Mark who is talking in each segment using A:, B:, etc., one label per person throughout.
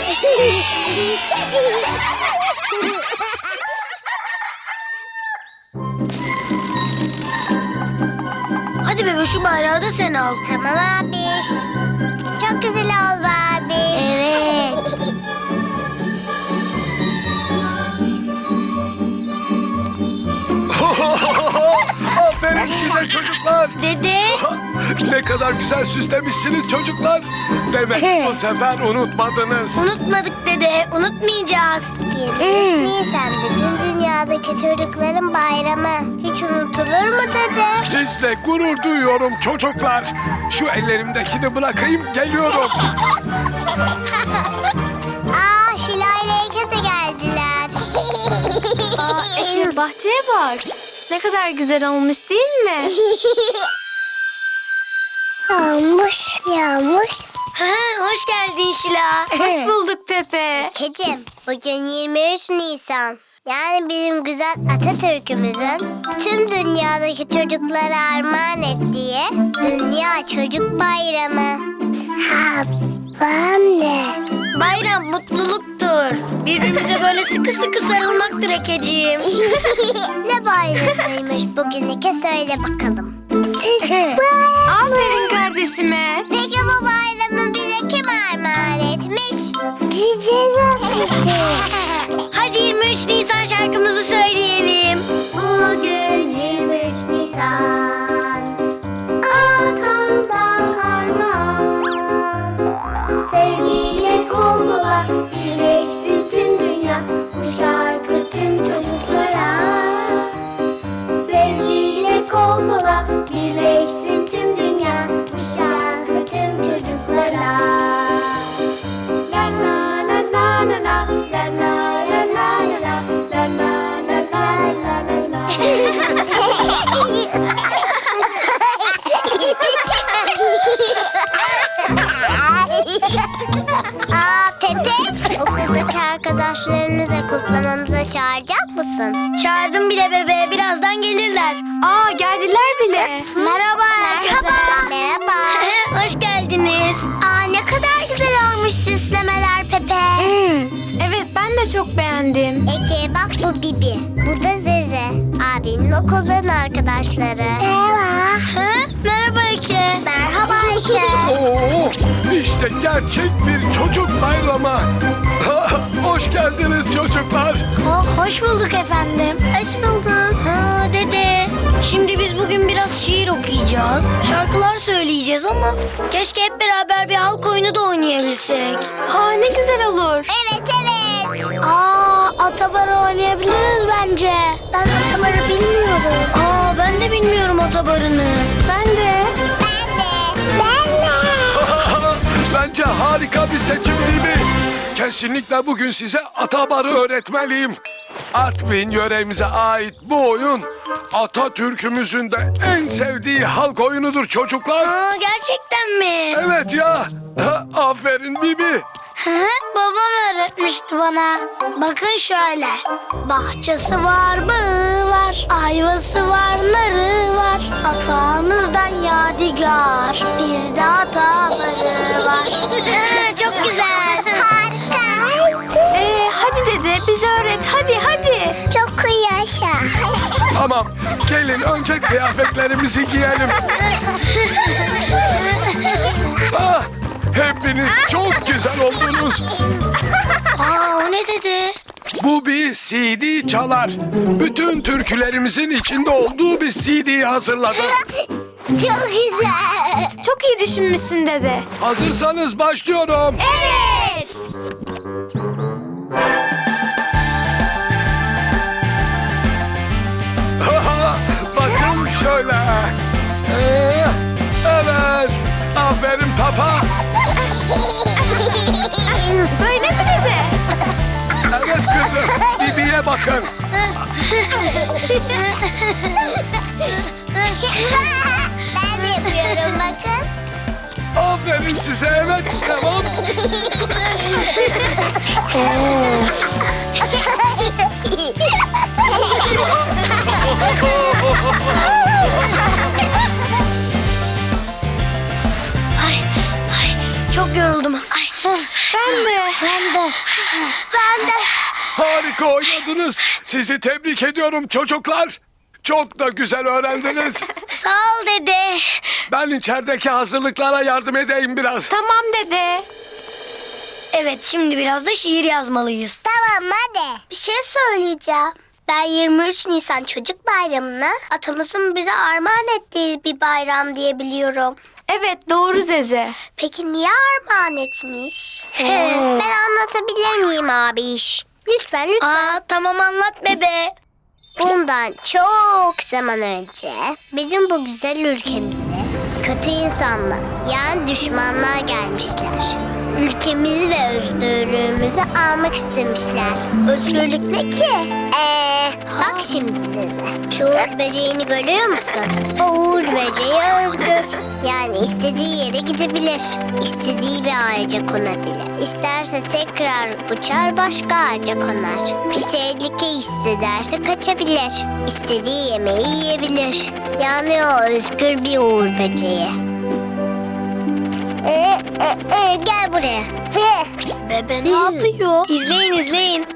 A: Hadi bebe, şu bayrağı da sen al.
B: Tamam abiş. Çok güzel oldu abiş.
A: Evet.
C: Aferin size çocuklar.
A: Dede.
C: Ne kadar güzel süslemişsiniz çocuklar. Demek bu sefer unutmadınız.
A: Unutmadık dede, unutmayacağız.
B: 23 Nisan bütün dünyadaki çocukların bayramı. Hiç unutulur mu dede?
C: Sizle gurur duyuyorum çocuklar. Şu ellerimdekini bırakayım, geliyorum.
B: Aa, Şila ile Eke de geldiler.
D: Efe, bahçeye bak. Ne kadar güzel olmuş değil mi?
B: Yağmış.
A: Hoş geldin Şila.
D: Hoş bulduk Pepe.
B: Ekeciğim, bugün 23 Nisan. Yani bizim güzel Atatürk'ümüzün tüm dünyadaki çocuklara armağan ettiği Dünya Çocuk Bayramı. Ha, anne.
A: Bayram mutluluktur. Birbirimize böyle sıkı sıkı sarılmaktır Ekeciğim.
B: Ne bayramıymış bugün Eke, söyle bakalım.
D: Aferin kardeşime.
B: Peki bu bayramı bize kim armağan etmiş? Güzel
A: Hadi 23 Nisan şarkımızı söyleyelim.
B: Bugün 23 Nisan, atamdan armağan. Sevgiyle kol kola birleşsin tüm dünya, bu şarkı tüm çocuklara. Sevgiyle kol kola birleşsin tüm dünya, bu şarkı tüm çocuklara. La la la la la la, la la la la la, la la la la la la. Aa Pepe, okuldaki arkadaşlarını da kutlamamıza çağıracak mısın?
A: Çağırdım bile bebe, birazdan gelirler.
D: Aa, geldiler bile.
A: Merhaba.
B: Merhaba.
A: Hoş geldiniz.
B: Aa, ne kadar güzel olmuş süslemeler Pepe.
D: Evet, ben de çok beğendim.
B: Eke bak, bu Bibi. Bu da Zeze. Abimin okuldan arkadaşları. Merhaba.
A: Merhaba Eke.
B: Merhaba Eke.
C: Oo, işte gerçek bir çocuk bayramı. Hoş geldiniz çocuklar.
B: Hoş bulduk efendim. Hoş bulduk.
A: Ha dede. Şimdi biz bugün biraz şiir okuyacağız. Şarkılar söyleyeceğiz ama keşke hep beraber bir halk oyunu da oynayabilsek.
D: Aa, ne güzel olur.
B: Evet evet.
A: Atabarı oynayabiliriz bence.
B: Ben atabarı bilmiyorum.
A: Ben de bilmiyorum atabarını.
D: Ben de.
B: Ben de. Ben de.
C: Bence harika bir seçim değil mi? Kesinlikle bugün size Atabar'ı öğretmeliyim. Artvin yöremize ait bu oyun Atatürk'ümüzün de en sevdiği halk oyunudur çocuklar.
A: Gerçekten mi?
C: Evet ya. Aferin Bibi.
A: Babam öğretmişti bana. Bakın şöyle. Bahçesi var, bağı var. Ayvası var, narı var. Atamızdan yadigar. Bizde atabarı var. Çok güzel.
B: Harika.
D: Hadi dede, bize öğret. Hadi.
B: Çok yaşa.
C: Tamam, gelin önce kıyafetlerimizi giyelim. Hepiniz çok güzel oldunuz.
A: O ne dedi?
C: Bu bir CD çalar. Bütün türkülerimizin içinde olduğu bir CD'yi hazırladım.
B: Çok güzel.
D: Çok iyi düşünmüşsün dede.
C: Hazırsanız başlıyorum.
D: Evet.
C: Bakın şöyle. Evet. Aferin Papa.
D: Böyle mi dede?
C: Evet kızım. Bibi'ye bakın.
B: Ben de yapıyorum bakın.
C: Aferin size. Evet. Tamam.
A: Ay, çok yoruldum. Ay.
D: Ben de.
B: Ben de.
C: Harika oynadınız. Sizi tebrik ediyorum çocuklar. Çok da güzel öğrendiniz.
A: Sağ ol dede.
C: Ben içerideki hazırlıklara yardım edeyim biraz.
D: Tamam dede.
A: Evet, şimdi biraz da şiir yazmalıyız.
B: Tamam hadi. Bir şey söyleyeceğim. Ben 23 Nisan Çocuk Bayramı'nı atamızın bize armağan ettiği bir bayram diye biliyorum.
D: Evet doğru Zeze.
B: Peki niye armağan etmiş? Ben anlatabilir miyim abiş? Lütfen lütfen.
A: Aa, tamam anlat bebe.
B: Bundan çok zaman önce bizim bu güzel ülkemize kötü insanlar yani düşmanlar gelmişler. Ülkemizi ve özgürlüğümüzü almak istemişler. Özgürlük ne ki? Bak şimdi size. Şu uğur böceğini görüyor musun? O uğur böceği özgür. Yani istediği yere gidebilir. İstediği bir ağaca konabilir. İsterse tekrar uçar başka ağaca konar. Bir tehlike hissederse kaçabilir. İstediği yemeği yiyebilir. Yani o özgür bir uğur böceği. Gel buraya.
A: Bebe ne yapıyor? İzleyin izleyin.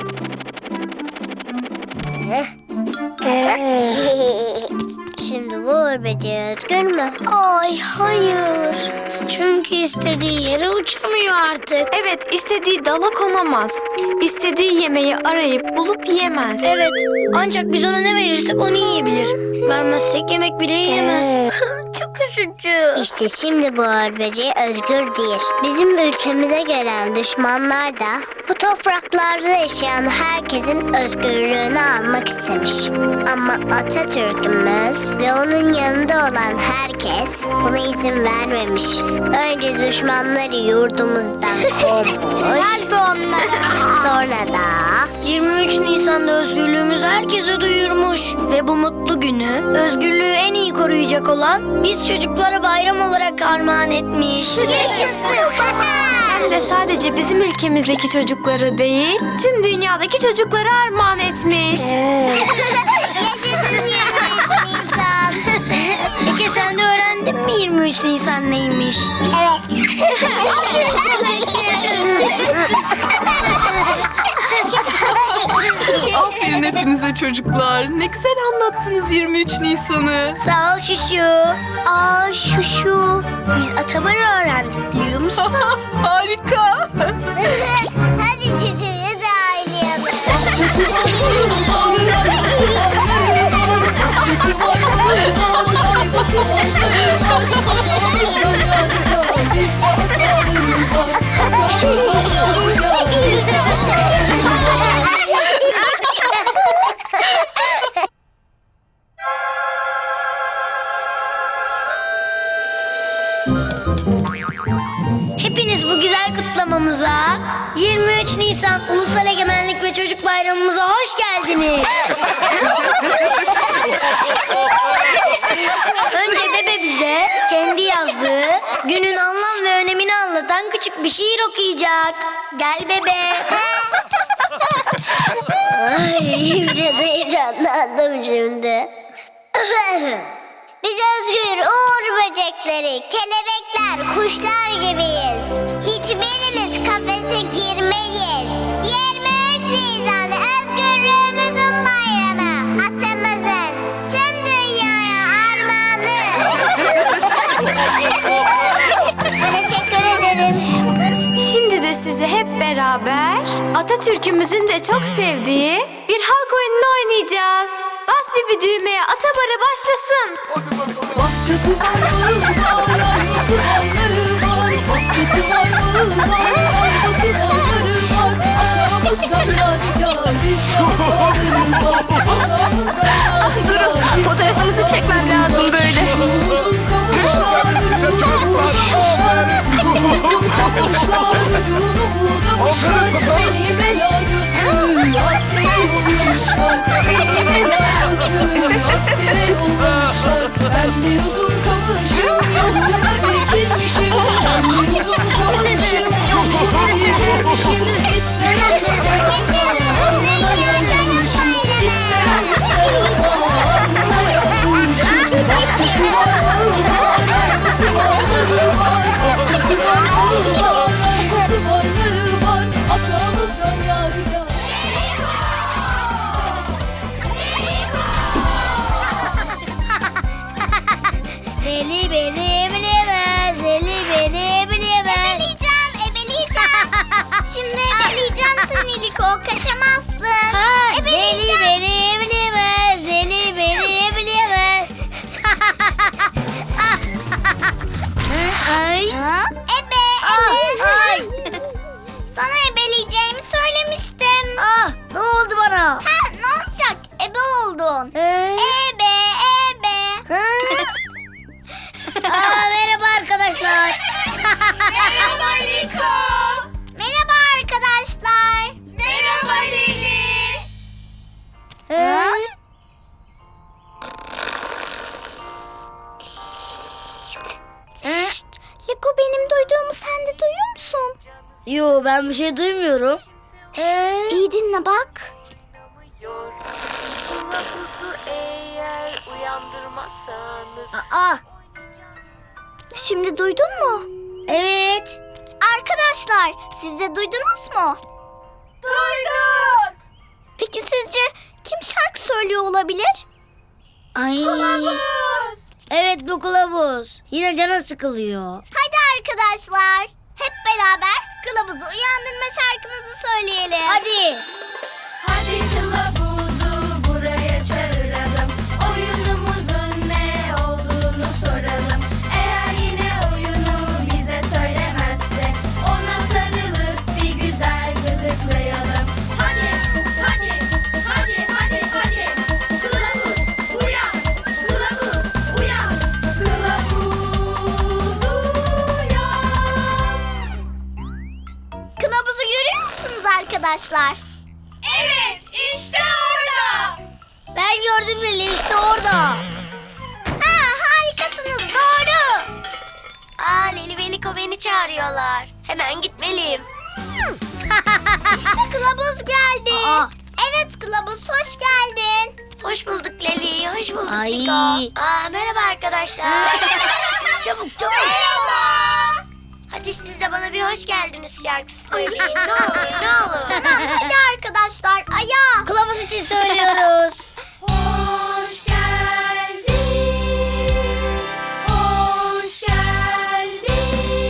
B: Şimdi bu uğur böceği özgür mü?
A: Ay hayır. Çünkü istediği yere uçamıyor artık.
D: Evet istediği dala konamaz. İstediği yemeği arayıp bulup yiyemez.
A: Evet, ancak biz ona ne verirsek onu yiyebilir. Vermezsek yemek bile yiyemez. Çok üzücü.
B: İşte şimdi bu uğur böceği özgür değil. Bizim ülkemize gelen düşmanlar da bu topraklarda yaşayan herkesin özgürlüğünü almak istemiş. Ama Atatürk'ümüz ve onun yanında olan herkes buna izin vermemiş. Önce düşmanları yurdumuzdan kovmuş. Sonra da
A: 23 Nisan'da özgürlüğümüzü herkese duyurmuş. Ve bu mutlu günü özgürlüğü en iyi koruyacak olan biz çocuklara bayram olarak armağan etmiş.
B: yaşasın.
D: Hem de sadece bizim ülkemizdeki çocukları değil, tüm dünyadaki çocuklara armağan etmiş.
B: Yaşasın 23 Nisan.
A: Peki sen de öğrendin mi 23 Nisan neymiş?
B: Evet.
E: Aferin hepinize çocuklar. Ne güzel anlattınız 23 Nisan'ı.
A: Sağ ol Şuşu.
B: Aa şu. Biz Atabar'ı öğrendik biliyor musun?
E: Harika.
B: Hadi şuşuyu da oynayalım.
A: Hepiniz bu güzel kutlamamıza 23 Nisan Ulusal Egemenlik ve Çocuk Bayramımıza hoş geldiniz. Önce bebe bize kendi yazdığı günün anlam ve önemini anlatan küçük bir şiir okuyacak. Gel bebe.
B: Ay biraz heyecanlandım şimdi. Biz özgür uğur böcekleri, kelebekler, kuşlar gibiyiz. Hiçbirimiz kafese girmeyiz. 23 Nisan özgürlüğümüzün bayramı. Atamızın tüm dünyaya armağanı. Teşekkür ederim.
D: Şimdi de size hep beraber Atatürk'ümüzün de çok sevdiği bir halk oyununu oynayacağız. Bas bir düğmeye Atabarı başlasın.
E: Bahçesi var var, arabası varları var. Bahçesi var arabası varları var. Atamızdan yadigar, bizde ataları var. Atamızdan yadigar, durun, fotoğrafınızı çekmem lazım böyle. Uzun kavuşlar,
C: Size çocuklar.
E: uzun kavuşlar, ucunu budamışlar. Benim ela gözlü askeri olmuşlar. Benim ela gözlü askeri olmuşlar. Ben bir uzun kamışım, yoluna dikilmişim. Ben bir uzun kamışım, yoluna dikilmişim. İsteyen ister, alnına yazılmışım. İsteyen ister, alnına yazılmışım. Bahçesi var, arabası var, bahçesi var, arabası var.
B: Liko, kaçamazsın.
A: Ha, deli
B: Ebeleyeceğim.
A: beni bilemez, deli beni bilemez. Ay.
B: Ha? Ebe.
A: Ay.
B: Sana ebeleyeceğimi söylemiştim.
A: Ah, ne oldu bana?
B: Ha, ne olacak? Ebe oldun.
A: Ee?
B: Ebe, ebe.
A: Aa, merhaba arkadaşlar.
E: Merhaba Liko.
B: Merhaba arkadaşlar.
E: Merhaba Leli.
B: Şşt, Liko, benim duyduğumu sen de duyuyor musun?
A: Yo, ben bir şey duymuyorum.
B: İyi dinle bak.
E: Kılavuzu eğer uyandırmazsanız.
A: Aa,
B: Şimdi duydun mu?
A: evet.
B: Arkadaşlar, siz de duydunuz mu?
E: Duyduk.
B: Peki sizce kim şarkı söylüyor olabilir?
A: Ay. Evet, bu kılavuz. Yine canı sıkılıyor.
B: Hadi arkadaşlar, hep beraber kılavuzu uyandırma şarkımızı söyleyelim.
A: Hadi.
F: Hadi kılavuzu buraya çağıralım. Oyunumuzun ne olduğunu soralım. Eğer yine oyunu bize söylemezse ona sarılıp bir güzel gıdıklayalım. Hadi, hadi, hadi, hadi, hadi. Kılavuz uyan, kılavuz uyan, kılavuz uyan.
B: Kılavuzu görüyor musunuz arkadaşlar?
E: Evet, işte orada.
A: Ben gördüm Leli, işte orada.
B: Ha, harikasınız, doğru.
A: Aa, Leli ve Liko beni çağırıyorlar. Hemen gitmeliyim.
B: İşte kılavuz geldi.
A: Aa.
B: Evet kılavuz, hoş geldin.
A: Hoş bulduk Leli, hoş bulduk
B: Ay.
A: Liko. Aa, merhaba arkadaşlar. çabuk çabuk. Hadi siz de bana bir hoş geldiniz şarkısı söyleyin. Ne olur ne olur.
B: Tamam, hadi arkadaşlar, ayağa.
A: Kılavuz için söylüyoruz.
F: Hoş geldin, hoş geldin,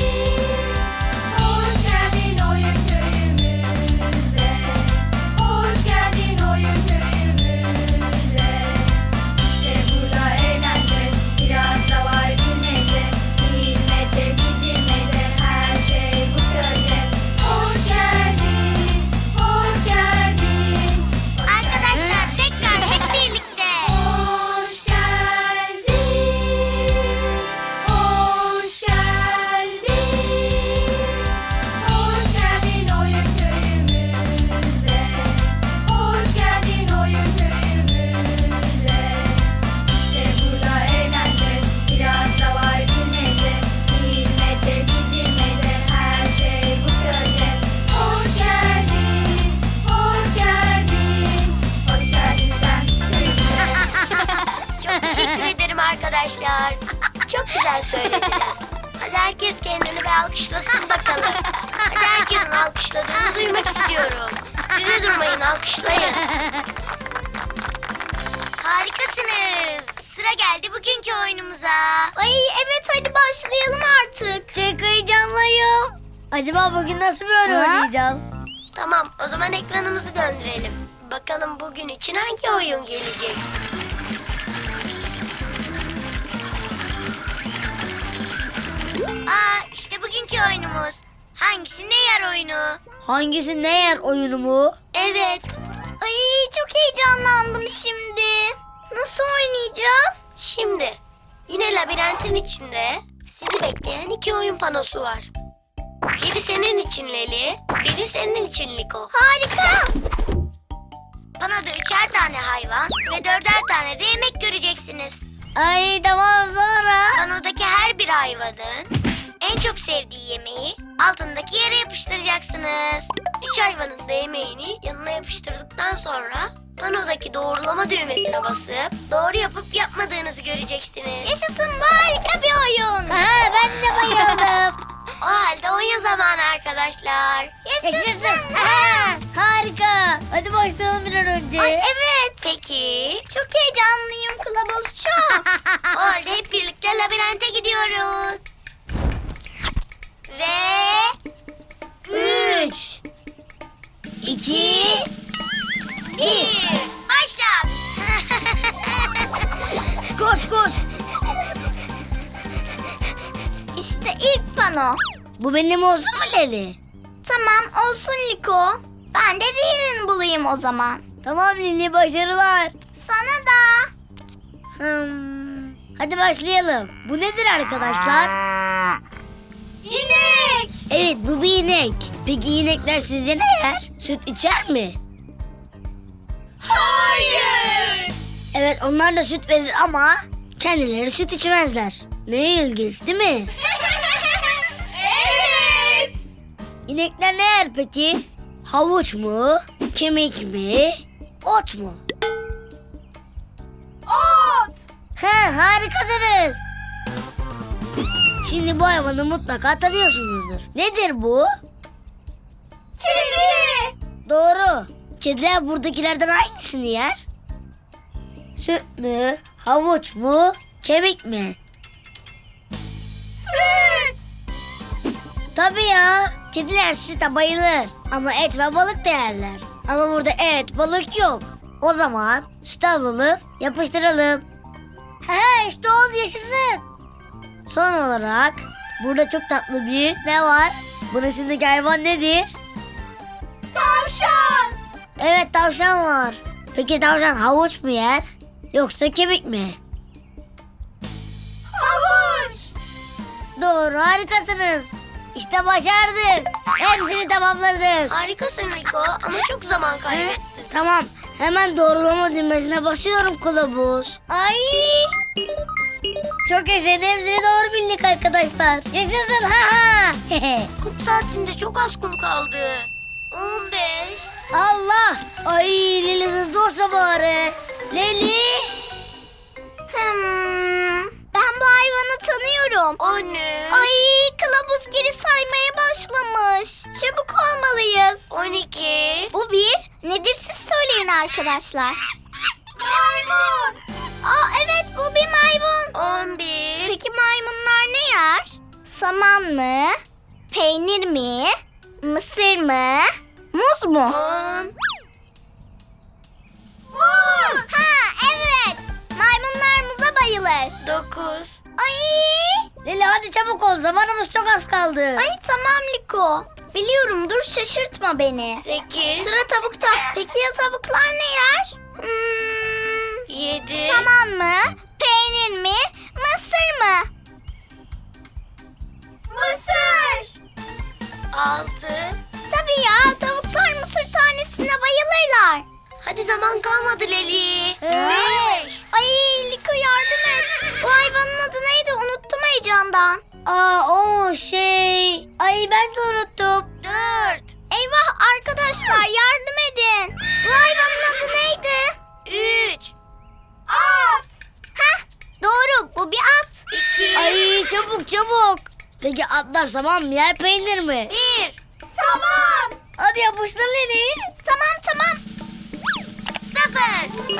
F: hoş geldin oyun köyümüze, hoş geldin oyun köyümüze. İşte burada eğlence, biraz da var bilmece, bilmece, bilmece, her şey bu köyde. Hoş geldin, hoş geldin.
B: Arkadaşlar, tekrar hep birlikte.
F: Hoş geldin, hoş geldin, hoş geldin oyun köyümüze, hoş geldin oyun köyümüze. İşte burada eğlence, biraz da var bilmece, bilmece, bilmece, her şey bu köyde. Hoş geldin, hoş geldin, hoş geldin sen köyümüze.
A: Çok teşekkür ederim arkadaşlar. Çok güzel söylediniz. Hadi herkes kendini bir alkışlasın bakalım. Hadi herkesin alkışladığını duymak istiyorum. Siz de durmayın, alkışlayın. Harikasınız. Sıra geldi bugünkü oyunumuza.
B: Ay evet, hadi başlayalım artık.
A: Çok heyecanlıyım. Acaba bugün nasıl bir oyun oynayacağız? Tamam, o zaman ekranımızı döndürelim. Bakalım bugün için hangi oyun gelecek? Aa, işte bugünkü oyunumuz. Hangisi ne yer oyunu? Hangisi ne yer oyunu mu? Evet.
B: Ay çok heyecanlandım şimdi. Nasıl oynayacağız?
A: Şimdi yine labirentin içinde sizi bekleyen iki oyun panosu var. Biri senin için Leli, biri senin için Liko.
B: Harika.
A: Panoda 3'er tane hayvan ve 4'er tane de yemek göreceksiniz. Ay tamam, sonra? Panodaki her bir hayvanın en çok sevdiği yemeği altındaki yere yapıştıracaksınız. 3 hayvanın da yemeğini yanına yapıştırdıktan sonra panodaki doğrulama düğmesine basıp doğru yapıp yapmadığınızı göreceksiniz.
B: Yaşasın, bu harika bir oyun.
A: Ha, ben de bayıldım. O halde oyun zamanı arkadaşlar.
B: Yaşasın.
A: Ha, harika. Hadi başlayalım bir an önce.
B: Ay evet.
A: Peki.
B: Çok heyecanlıyım kılavuz, çok.
A: O halde hep birlikte labirente gidiyoruz. Ve 3 2, 1. Başla.
B: Koş koş. İşte ilk pano. Bu benim olsun mu Leli? Tamam olsun Liko. Ben de diğerini bulayım o zaman. Tamam Lili, başarılar. Sana da. Hadi başlayalım. Bu nedir arkadaşlar?
F: İnek.
B: Evet, bu bir inek. Peki inekler sizce ne yer? Süt içer mi?
F: Hayır.
B: Evet, onlar da süt verir ama kendileri süt içmezler. Ne ilginç değil mi?
F: Evet.
B: İnekler ne yer peki? Havuç mu? Kemik mi? Ot mu?
F: Ot.
B: Harikasınız. Şimdi bu hayvanı mutlaka tanıyorsunuzdur. Nedir bu?
F: Kedi.
B: Doğru. Kediler buradakilerden hangisini yer? Süt mü? Havuç mu? Kemik mi?
F: Süt.
B: Tabii ya. Kediler süte bayılır. Ama et ve balık da yerler. Ama burada et, balık yok. O zaman süt alalım, yapıştıralım. İşte oldu, yaşasın. Son olarak burada çok tatlı bir ne var? Bu resimdeki hayvan nedir?
F: Tavşan.
B: Evet, tavşan var. Peki tavşan havuç mu yer? Yoksa kemik mi?
F: Havuç.
B: Doğru, harikasınız. İşte başardık. Hepsini tamamladık.
A: Harikasın Liko ama çok zaman kaybettin.
B: Tamam, hemen doğrulama düğmesine basıyorum kılavuz. Ay! Çok yaşayın, hepsini doğru bildik arkadaşlar. Yaşasın, ha!
A: Kum saatinde çok az kum kaldı. 15.
B: Allah! Ay, Leli hızlı olsa bari. Leli! Ben bu hayvanı tanıyorum.
A: O ne?
B: Ay, kılavuz geri saymaya başlamış. Çabuk olmalıyız.
A: 12.
B: Bu bir. Nedir siz söyleyin arkadaşlar.
F: Maymun.
B: Evet, bu bir maymun.
A: 11.
B: Peki maymunlar ne yer? Saman mı? Peynir mi? Mısır mı? Muz mu?
A: 10.
B: Muz. Evet. Maymunlar muza bayılır.
A: 9.
B: Ay. Leli hadi çabuk ol. Zamanımız çok az kaldı. Ay tamam Liko. Biliyorum, dur şaşırtma beni.
A: 8.
B: Sıra tavukta. Peki ya tavuklar ne yer?
A: 7.
B: Saman mı? Peynir mi? Mısır mı?
F: Mısır.
A: 6.
B: Tabii ya, tavuklar mısır tanesine bayılırlar.
A: Hadi zaman kalmadı Leli. 5.
B: Ay Liko, yardım et. Bu hayvanın adı neydi? Unuttum heyecandan. O şey. Ay ben de unuttum.
A: 4.
B: Eyvah arkadaşlar, yardım edin. Bu hayvanın adı neydi?
A: 3.
F: At.
B: Doğru, bu bir at.
A: 2.
B: Ay çabuk çabuk. Peki atlar saman mı yer, peynir mi?
A: 1.
F: Saman.
B: Hadi yapıştır Leli. Tamam.
A: 0.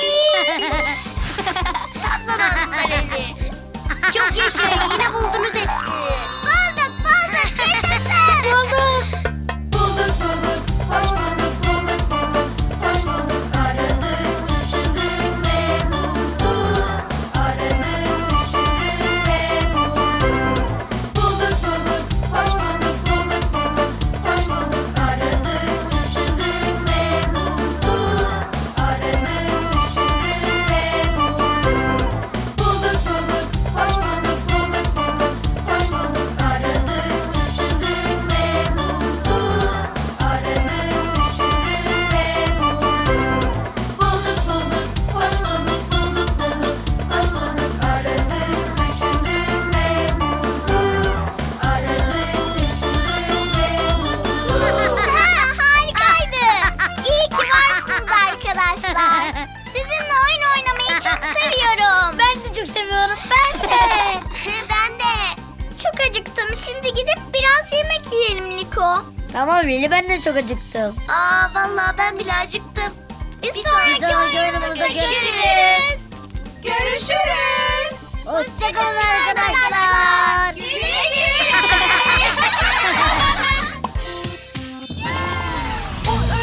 A: Tam zamanında Leli. Çok yaşayın, yine buldunuz hepsini.
B: Bulduk. Yaşasın. Bulduk.
F: Bulduk bulduk. Hoş bulduk bulduk bulduk. Hoş bulduk. Aradık, düşündük ve bulduk. Aradık, düşündük ve bulduk. Bulduk bulduk. Hoş bulduk bulduk bulduk. Hoş bulduk. Aradık, düşündük ve bulduk. Aradık, düşündük ve bulduk. Bulduk bulduk. Hoş bulduk bulduk bulduk. Hoş bulduk. Aradık, düşündük ve bulduk. Aradık, düşündük ve bulduk. Bulduk bulduk. Hoş bulduk bulduk bulduk. Hoş bulduk. Aradık, düşündük ve bulduk. Aradık, düşündük ve bulduk.
B: Harikaydı. İyi ki varsınız arkadaşlar. Sizinle oyun oynamayı çok seviyorum. Ben de çok seviyorum. Ben de.
A: Ben de.
B: Çok acıktım. Şimdi gidip biraz yemek yiyelim Liko. Tamam Lili, ben de çok acıktım.
A: Vallahi ben bile acıktım.
B: Bir sonraki oyunumuzda görüşürüz.
F: Görüşürüz.
B: Hoşçakalın arkadaşlar.
F: Güle güle. O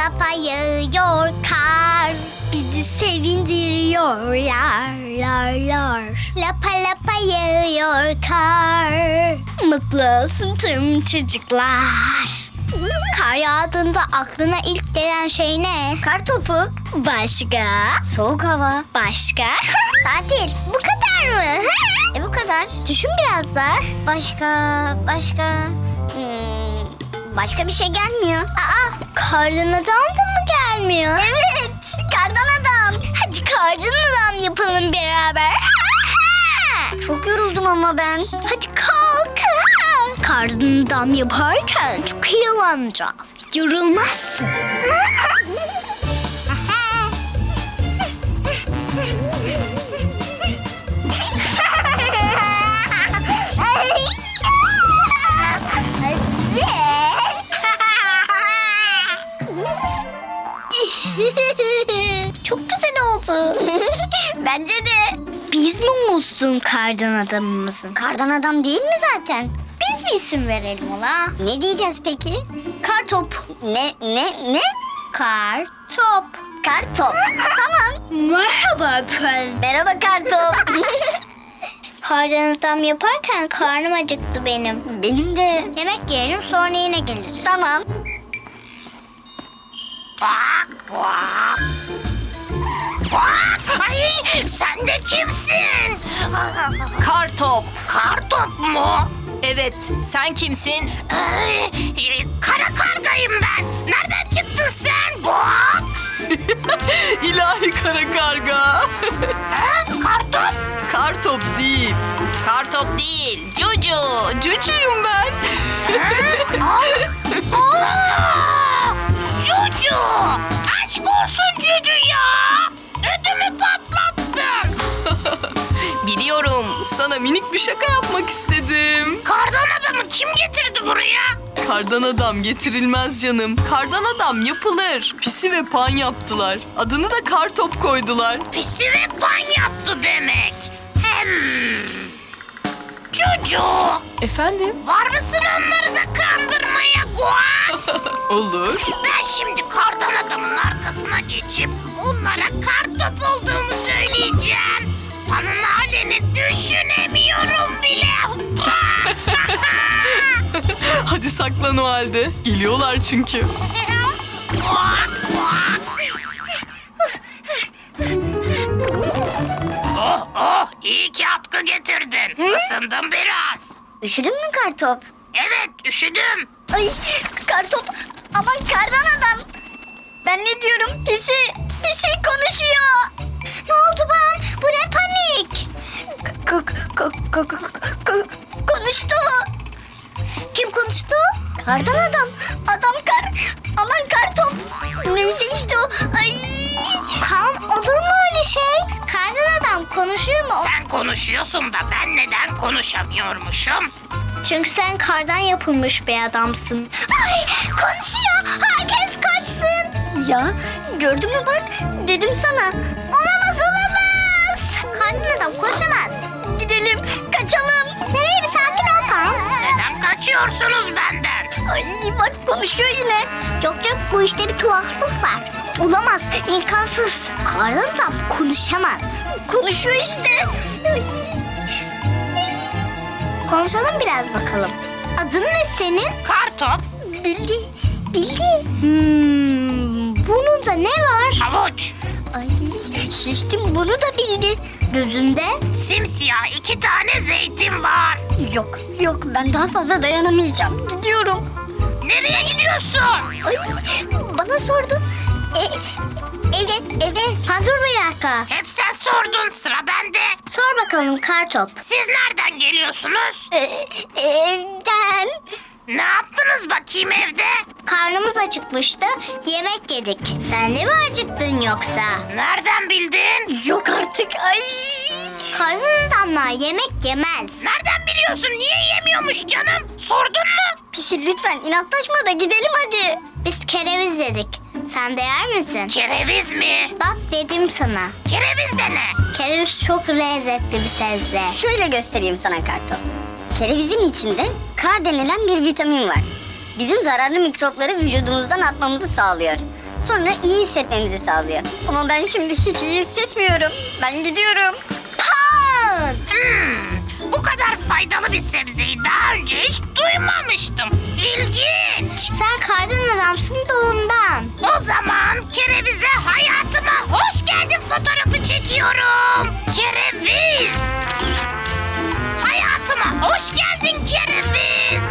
B: lapa yağıyor kar. Bizi sevindiriyor lar lar lar. Lapa lapa yağıyor kar. Mutlu olsun tüm çocuklar. Kar yağdığında aklına ilk gelen şey ne? Kar topu. Başka? Soğuk hava. Başka? Tatil. Bu kadar mı? Bu kadar. Düşün biraz daha. Başka. Başka bir şey gelmiyor. Aa, kardan adam da mı gelmiyor? Evet, kardan adam. Hadi kardan adam yapalım beraber. Çok yoruldum ama ben. Hadi kalk. Kardan adam yaparken çok eğleneceğiz. Yorulmazsın. Çok güzel oldu. Bence de. Biz mi muslun kardan adamımızın? Kardan adam değil mi zaten? Biz bir isim verelim ona. Ne diyeceğiz peki? Kartop. Ne? Kartop. Kartop. Tamam. Merhaba efendim. Merhaba Kartop. Kardan adam yaparken karnım acıktı benim. Benim de. Yemek yiyelim sonra yine geliriz. Tamam.
A: Ay, sen de kimsin?
E: Kartop.
A: Kartop mu?
E: Evet, sen kimsin?
A: Kara kargayım ben. Nereden çıktın sen? Guak!
E: İlahi kara karga.
A: Kartop?
E: Kartop değil. Kartop değil. Cucu. Cucuyum ben.
A: Cucu! Aşk olsun Cucu ya! Ödümü patlattın.
E: Biliyorum. Sana minik bir şaka yapmak istedim.
A: Kardan adamı kim getirdi buraya?
E: Kardan adam getirilmez canım. Kardan adam yapılır. Pisi ve pan yaptılar. Adını da Kartop koydular.
A: Pisi ve pan yaptı demek. Cucu!
E: Efendim?
A: Var mısın onları da kandırmaya Guak?
E: Olur.
A: Ben şimdi kardan adamın arkasına geçip onlara kartop olduğumu söyleyeceğim. Panın halini düşünemiyorum bile.
E: Hadi saklan o halde. Geliyorlar çünkü.
A: Oh iyi ki atkı getirdin. Isındım biraz.
B: Üşüdün mü Kartop?
A: Evet üşüdüm.
B: Ay Kartop. Aman kardan adam. Ben ne diyorum? Pisi konuşuyor. Ne oldu ben? Bu ne panik? Konuştu. Kim konuştu? Kardan adam. Aman Kartop. Neyse işte o. Ay. Kan olur mu öyle şey? Kardan adam konuşur mu?
A: Sen konuşuyorsun da ben neden konuşamıyormuşum?
B: Çünkü sen kardan yapılmış bir adamsın. Ay konuşuyor. Herkes kaçsın. Ya gördün mü bak. Dedim sana. Olamaz. Kardan adam konuşamaz. Gidelim kaçalım. Nereye bir sakin ol Pan.
A: Neden kaçıyorsunuz benden?
B: Ay bak konuşuyor yine. Yok bu işte bir tuhaflık var. Olamaz imkansız. Kardan adam konuşamaz. Konuşuyor işte. Ay. Konuşalım biraz bakalım. Adın ne senin?
A: Kartop,
B: Bildi. Bunun da ne var?
A: havuç,
B: Ay şiştim bunu da bildi. Gözünde?
A: simsiyah 2 tane zeytin var.
B: Yok ben daha fazla dayanamayacağım. Gidiyorum.
A: Nereye gidiyorsun?
B: Ay bana sordu. Eve. Ha dur bir dakika.
A: Hep sen sordun, sıra bende.
B: Sor bakalım Kartop.
A: Siz nereden geliyorsunuz?
B: Evden.
A: Ne yaptınız bakayım evde?
B: Karnımız acıkmıştı. Yemek yedik. Sen de mi acıktın yoksa?
A: Nereden bildin?
B: Yok artık. Ay. Karnın adamlar yemek yemez.
A: Nereden biliyorsun? Niye yemiyormuş canım? Sordun mu?
B: Pisi lütfen inatlaşma da gidelim hadi. Biz kereviz dedik. Sen de yer misin?
A: Kereviz mi?
B: Bak dedim sana.
A: Kereviz de ne?
B: Kereviz çok lezzetli bir sebze.
G: Şöyle göstereyim sana Kartop. Kerevizin içinde K denilen bir vitamin var. Bizim zararlı mikropları vücudumuzdan atmamızı sağlıyor. Sonra iyi hissetmemizi sağlıyor. Ama ben şimdi hiç iyi hissetmiyorum. Ben gidiyorum.
A: Pan!
H: Bu kadar faydalı bir sebzeyi daha önce hiç duymamıştım. İlginç.
A: Sen kardan adamsın da ondan.
H: O zaman kerevize hayatıma hoş geldin fotoğrafı çekiyorum. Kereviz. Hayatıma hoş geldin kereviz.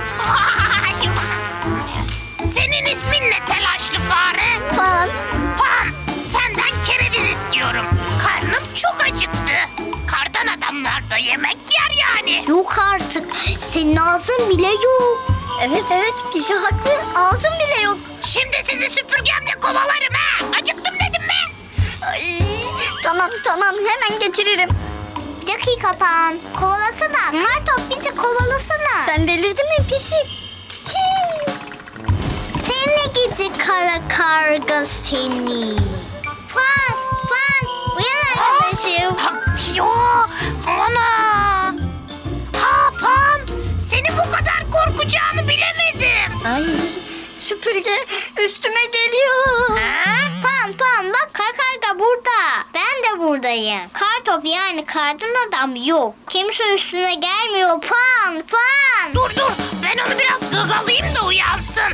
H: Senin ismin ne telaşlı fare?
G: Pan.
H: Pan, senden kereviz istiyorum. Karnım çok acıktı. Kardan adamlar da yemek yer yani.
A: Yok artık. Senin ağzın bile yok.
G: Evet Pisi haklı. Ağzım bile yok.
H: Şimdi sizi süpürgemle kovalarım ha. Acıktım dedim mi?
G: Ay, tamam hemen getiririm.
A: Bir dakika Pan. Kovalasana. Kartop bizi kovalasana.
G: Sen delirdin mi Pisi? Hii.
A: Seni gidi kara karga seni. Pan, uyan arkadaşım.
H: Yo, ana. Ha Pan, senin bu kadar korkacağını bilemedim.
G: Ay, süpürge üstüme geliyor.
H: Ha?
A: Pan bak kara karga burada. Ben de buradayım. Kartop yani kardan adam yok. Kimse üstüne gelmiyor. Pan.
H: Dur, ben onu biraz gagalayayım da uyansın.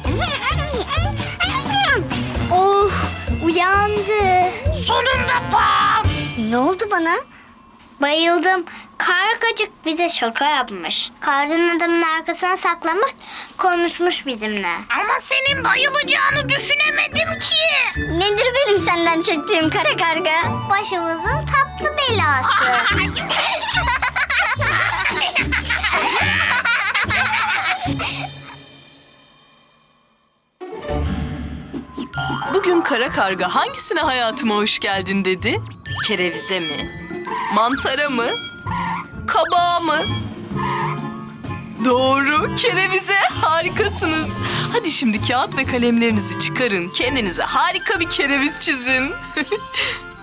A: Oh, uyandı.
H: Sonunda Pan.
G: Ne oldu bana?
A: Bayıldım. Kargacık bize şaka yapmış. Kardan adamın arkasına saklamış, konuşmuş bizimle.
H: Ama senin bayılacağını düşünemedim ki.
G: Nedir benim senden çektiğim kara karga?
A: Başımızın tatlı belası.
E: Bugün kara karga hangisine hayatıma hoş geldin dedi? Kerevize mi? Mantara mı? Kabağa mı? Doğru, kerevize. Harikasınız. Hadi şimdi kağıt ve kalemlerinizi çıkarın. Kendinize harika bir kereviz çizin.